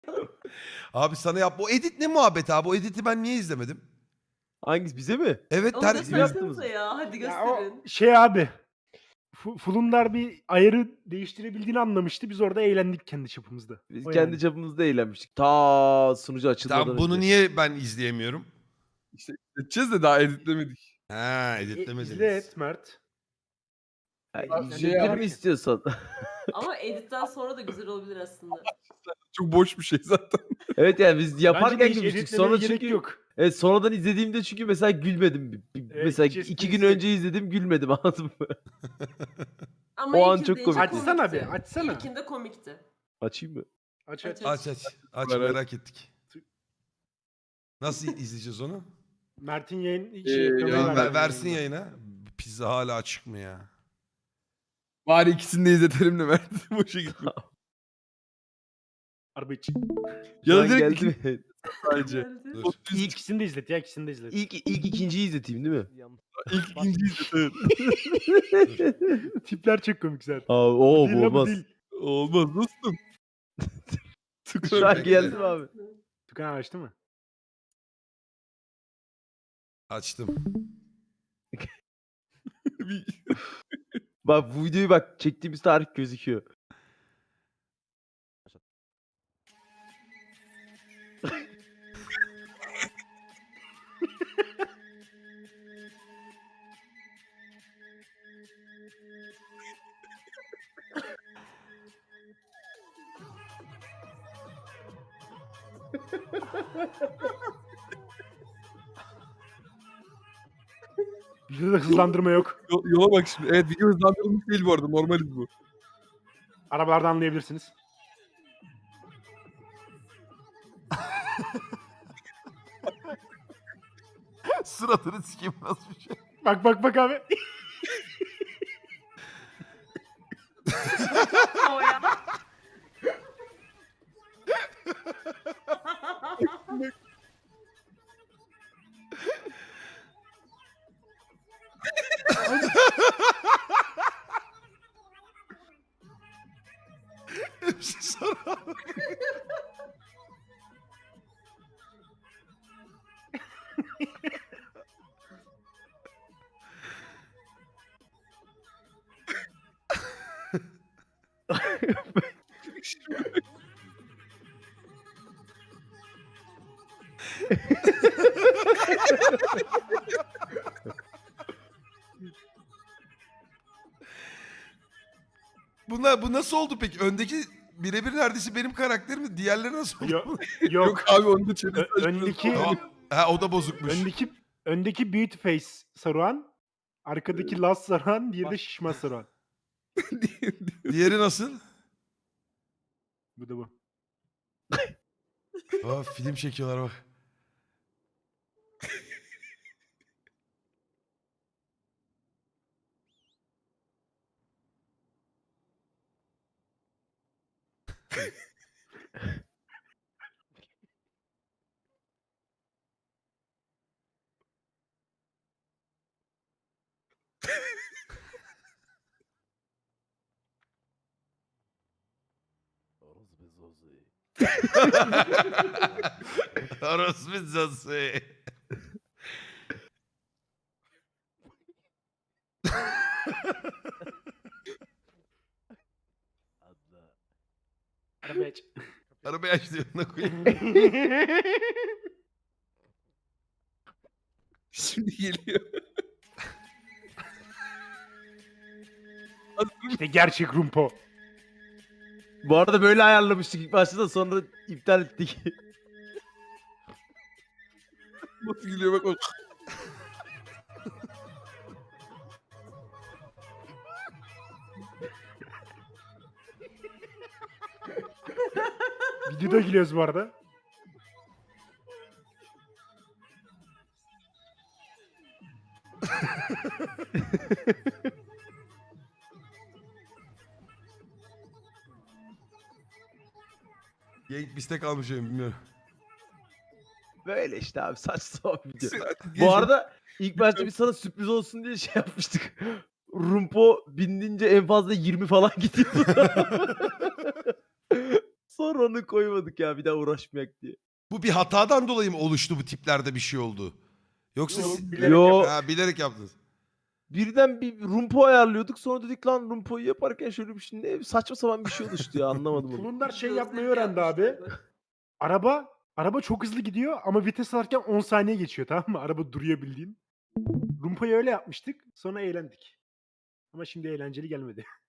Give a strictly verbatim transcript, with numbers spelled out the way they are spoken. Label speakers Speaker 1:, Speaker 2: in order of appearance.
Speaker 1: Abi sana yap. O edit ne muhabbet abi? O editi ben niye izlemedim?
Speaker 2: Hangisi bize mi?
Speaker 1: Evet
Speaker 3: Onu
Speaker 1: ter...
Speaker 3: göstersenize ya. Hadi
Speaker 4: Ya o
Speaker 3: gösterin.
Speaker 4: şey abi. Fu- Fulundar bir ayarı değiştirebildiğini anlamıştı. Biz orada eğlendik kendi çapımızda.
Speaker 2: Biz
Speaker 4: O
Speaker 2: kendi
Speaker 4: yani.
Speaker 2: çapımızda eğlenmiştik. Ta sunucu açılmadan
Speaker 1: Tamam bunu
Speaker 2: önce.
Speaker 1: niye ben izleyemiyorum?
Speaker 5: İşte edeceğiz de daha editlemedik.
Speaker 1: Ha
Speaker 4: E,
Speaker 1: editlemediniz.
Speaker 4: izle et Mert.
Speaker 2: Ha,
Speaker 5: Şey
Speaker 2: izleyelim
Speaker 4: yap-
Speaker 2: mi istiyorsan?
Speaker 3: Ama editten sonra da güzel olabilir aslında.
Speaker 5: Çok boş bir şey zaten.
Speaker 2: Evet yani biz
Speaker 4: Bence de
Speaker 2: yaparken
Speaker 4: hiç
Speaker 2: gülmüştük.
Speaker 4: editlemeye
Speaker 2: Sonra
Speaker 4: gerek
Speaker 2: çünkü
Speaker 4: yok.
Speaker 2: evet, sonradan izlediğimde çünkü mesela gülmedim. Bir- bir-
Speaker 4: Evet,
Speaker 2: mesela
Speaker 4: hiç
Speaker 2: iki gün
Speaker 4: esprisi-
Speaker 2: önce izledim gülmedim anladın mı?
Speaker 3: Ama
Speaker 2: O an
Speaker 3: ilk
Speaker 2: çok
Speaker 3: izleyince
Speaker 2: komikti.
Speaker 4: Açsana
Speaker 3: komikti.
Speaker 4: bir, açsana.
Speaker 3: İlkinde komikti.
Speaker 2: Açayım mı?
Speaker 4: Aç
Speaker 3: Aç,
Speaker 4: aç.
Speaker 1: Aç aç. Aç
Speaker 5: Merak-
Speaker 1: merak ettik. Nasıl izleyeceğiz onu?
Speaker 4: Mert'in yayın
Speaker 5: Ee,
Speaker 4: şey, ekrana
Speaker 5: yayın
Speaker 1: Ver-
Speaker 4: ver-
Speaker 1: versin yayına. Pizza hala açık mı ya?
Speaker 5: Bari ikisini de izletelim de Mert. Boşa gitme.
Speaker 4: Araba için.
Speaker 5: Ya
Speaker 2: Şu
Speaker 5: da
Speaker 2: an
Speaker 5: direkt
Speaker 2: geldi
Speaker 5: iki
Speaker 2: mi?
Speaker 5: sadece.
Speaker 3: Geldi.
Speaker 1: Dur.
Speaker 4: İlk ikisini de izlet ya ikisini de izlet.
Speaker 2: İlk, ilk ikinciyi izleteyim değil mi?
Speaker 5: İlk ikinciyi izlet. Evet.
Speaker 4: Tipler çok komik zaten.
Speaker 2: Aa, oo
Speaker 4: Değil
Speaker 2: bu
Speaker 4: lan, bu
Speaker 2: olmaz.
Speaker 4: değil.
Speaker 5: Olmaz dostum.
Speaker 2: Şu an geldi mi abi?
Speaker 4: Tukan açtı mı?
Speaker 1: Açtım.
Speaker 5: Bir-
Speaker 2: Bak bu videoyu bak çektiğimiz tarih gözüküyor.
Speaker 4: Bizde de hızlandırma yok.
Speaker 5: Yol- Yola bak şimdi. Evet video hızlandırılmış değil bu arada. Normaliz bu.
Speaker 4: Arabalarda anlayabilirsiniz.
Speaker 1: Suratını sikeyim nasıl bir şey?
Speaker 4: Bak bak bak abi.
Speaker 3: O ya.
Speaker 1: Hepsi sonra. Bunlar bu nasıl oldu peki? Öndeki birebir neredeyse benim karakterim. Diğerleri nasıl oldu?
Speaker 4: Yok. Yok.
Speaker 5: Yok abi onu da çevir.
Speaker 4: Ö- öndeki
Speaker 1: Tamam. Ha o da bozukmuş.
Speaker 4: öndeki öndeki beauty face Saruhan, arkadaki Laz Saruhan, diğeri de şişman Saruhan.
Speaker 1: Diğeri nasıl?
Speaker 4: Bu da bu.
Speaker 1: Aa, film çekiyorlar bak. Orospu zosu.
Speaker 4: Araba aç.
Speaker 1: Arabayı aç diyor, yanına koyayım.
Speaker 5: Şimdi geliyor.
Speaker 4: İşte gerçek Rumpo.
Speaker 2: Bu arada böyle ayarlamıştık ilk başta da sonra iptal ettik.
Speaker 5: Nasıl geliyor bak bak.
Speaker 4: Videoda gülüyoruz bu arada.
Speaker 1: Genk biste kalmış benim bilmiyorum.
Speaker 2: Böyle işte abi saçma sapan video.
Speaker 5: Artık
Speaker 2: Bu
Speaker 5: geçin.
Speaker 2: arada ilk başta biz sana sürpriz olsun diye şey yapmıştık. Rumpo bindince en fazla yirmi falan gidiyordu. Sonra onu koymadık ya bir daha uğraşmayak diye.
Speaker 1: Bu bir hatadan dolayı mı oluştu bu tiplerde bir şey oldu? Yoksa
Speaker 4: Yok,
Speaker 1: siz-
Speaker 4: bilerek
Speaker 2: Yo
Speaker 1: ha, bilerek yaptınız.
Speaker 2: birden bir rumpo ayarlıyorduk sonra dedik lan rumpoyu yaparken şöyle bir şey ne saçma sapan bir şey oluştu ya anlamadım onu.
Speaker 4: Fulundar şey
Speaker 3: Gözleri
Speaker 4: yapmayı öğrendi abi.
Speaker 3: yapmışlar.
Speaker 4: Araba araba çok hızlı gidiyor ama vites alırken on saniye geçiyor, tamam mı? Araba duruyor bildiğin. Rumpa'yı öyle yapmıştık. Sonra eğlendik. Ama şimdi eğlenceli gelmedi.